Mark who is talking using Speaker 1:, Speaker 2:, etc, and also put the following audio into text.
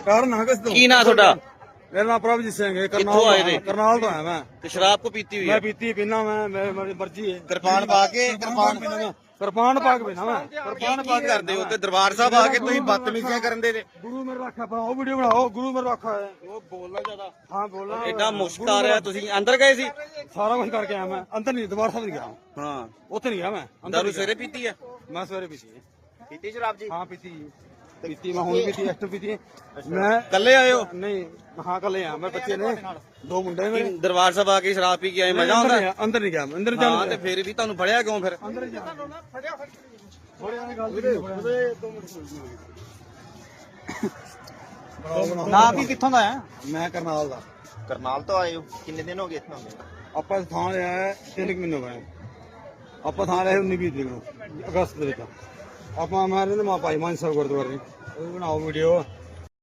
Speaker 1: ਕਾਰਨ ਹਾਂ ਕਿਸ ਤੋਂ
Speaker 2: ਕੀ ਨਾਂ ਤੁਹਾਡਾ?
Speaker 1: ਮੇਰਾ ਨਾਮ ਪ੍ਰਭਜੀਤ ਸਿੰਘ ਹੈ।
Speaker 2: ਕਿੱਥੋਂ ਆਏ ਨੇ?
Speaker 1: ਕਰਨਾਲ ਤੋਂ ਆਇਆ ਮੈਂ।
Speaker 2: ਤੇ ਸ਼ਰਾਬ ਕੋ ਪੀਤੀ ਹੋਈ
Speaker 1: ਮੈਂ
Speaker 2: ਹੈ?
Speaker 1: ਪੀਤੀ ਪੀਣਾ ਮੈਂ ਮੇਰੀ ਮਰਜ਼ੀ ਹੈ।
Speaker 2: ਕਿਰਪਾਨ ਪਾ ਕੇ
Speaker 1: ਕਿਰਪਾਨ ਪਾ ਕੇ ਪੀਣਾ ਮੈਂ। ਕਿਰਪਾਨ ਪਾ ਕੇ
Speaker 2: ਕਰਦੇ ਹੋ ਤੇ ਦਰਬਾਰ ਸਾਹਿਬ ਆ ਕੇ ਤੁਸੀਂ ਬਦਤਮੀਜ਼ੀਆਂ ਕਰਨ ਦੇ ਨੇ।
Speaker 1: ਗੁਰੂ ਮੇਰੇ ਰੱਖਾ ਬਣਾਓ, ਵੀਡੀਓ ਬਣਾਓ। ਗੁਰੂ ਮੇਰੇ ਰੱਖਾ ਹੈ।
Speaker 2: ਉਹ ਬੋਲਣਾ ਜ਼ਿਆਦਾ।
Speaker 1: ਹਾਂ ਬੋਲਣਾ।
Speaker 2: ਐਡਾ ਮੁਸ਼ਕ ਆ ਰਿਹਾ। ਤੁਸੀਂ ਅੰਦਰ ਗਏ ਸੀ?
Speaker 1: ਸਾਰਾ ਕੁਝ ਕਰਕੇ ਆਇਆ ਮੈਂ। ਅੰਦਰ ਨਹੀਂ, ਦਰਬਾਰ ਸਾਹਿਬ ਨਹੀਂ ਗਿਆ।
Speaker 2: ਹਾਂ।
Speaker 1: ਉੱਥੇ ਨਹੀਂ ਗਿਆ ਮੈਂ।
Speaker 2: ਦਾਰੂ ਸਵੇਰੇ ਪੀਤੀ ਹੈ?
Speaker 1: ਮੈਂ ਸਵੇਰੇ ਪੀਤੀ ਹੈ।
Speaker 2: ਪੀਤੀ ਸ਼ਰਾਬ ਜੀ?
Speaker 1: ਹਾਂ ਪੀਤੀ ਮੈਂ ਹੁਣ ਪੀਤੀ, ਐਕਟਰ ਪੀਤੀ। ਮੈਂ
Speaker 2: ਕੱਲੇ ਆਏ ਹੋ?
Speaker 1: ਨਹੀਂ, ਹਾਂ ਕੱਲੇ ਆ ਮੈਂ। ਬੱਚੇ ਨੇ, ਦੋ ਮੁੰਡੇ ਮੇਰੇ।
Speaker 2: ਦਰਬਾਰ ਸਾਹਿਬ ਆ ਕੇ ਸ਼ਰਾਬ ਪੀ ਕੇ ਆਏ, ਮਜ਼ਾ ਆਉਂਦਾ?
Speaker 1: ਅੰਦਰ ਨਹੀਂ ਗਿਆ, ਅੰਦਰ
Speaker 2: ਹਾਂ ਤੇ ਫਿਰ ਵੀ ਤੁਹਾਨੂੰ ਫੜਿਆ ਕਿਉਂ ਫਿਰ?
Speaker 1: ਅੰਦਰ ਜਾ
Speaker 3: ਨਾ ਵੀ ਕਿੱਥੋਂ ਦਾ ਹੈ?
Speaker 1: ਮੈਂ ਕਰਨਾਲ ਦਾ।
Speaker 3: ਕਰਨਾਲ ਤੋਂ ਆਏ ਹੋ? ਕਿੰਨੇ ਦਿਨ ਹੋ ਗਏ ਇੱਥੇ?
Speaker 1: ਆਪਾਂ ਥਾਂ ਲਿਆ ਹੈ 3 ਮਹੀਨੇ ਹੋਏ। ਆਪਾਂ ਥਾਂ ਲਿਆ 19-20 ਤਰੀਕ ਨੂੰ, ਅਗਸਤ ਦੇ ਵਿੱਚ। ਆਪਾਂ ਮੈਂ ਰਹਿੰਦੇ ਮਾ ਭਾਈ ਮਾਨ ਸਾਹਿਬ ਗੁਰਦੁਆਰੇ। ਉਹ ਬਣਾਓ ਵੀਡੀਓ।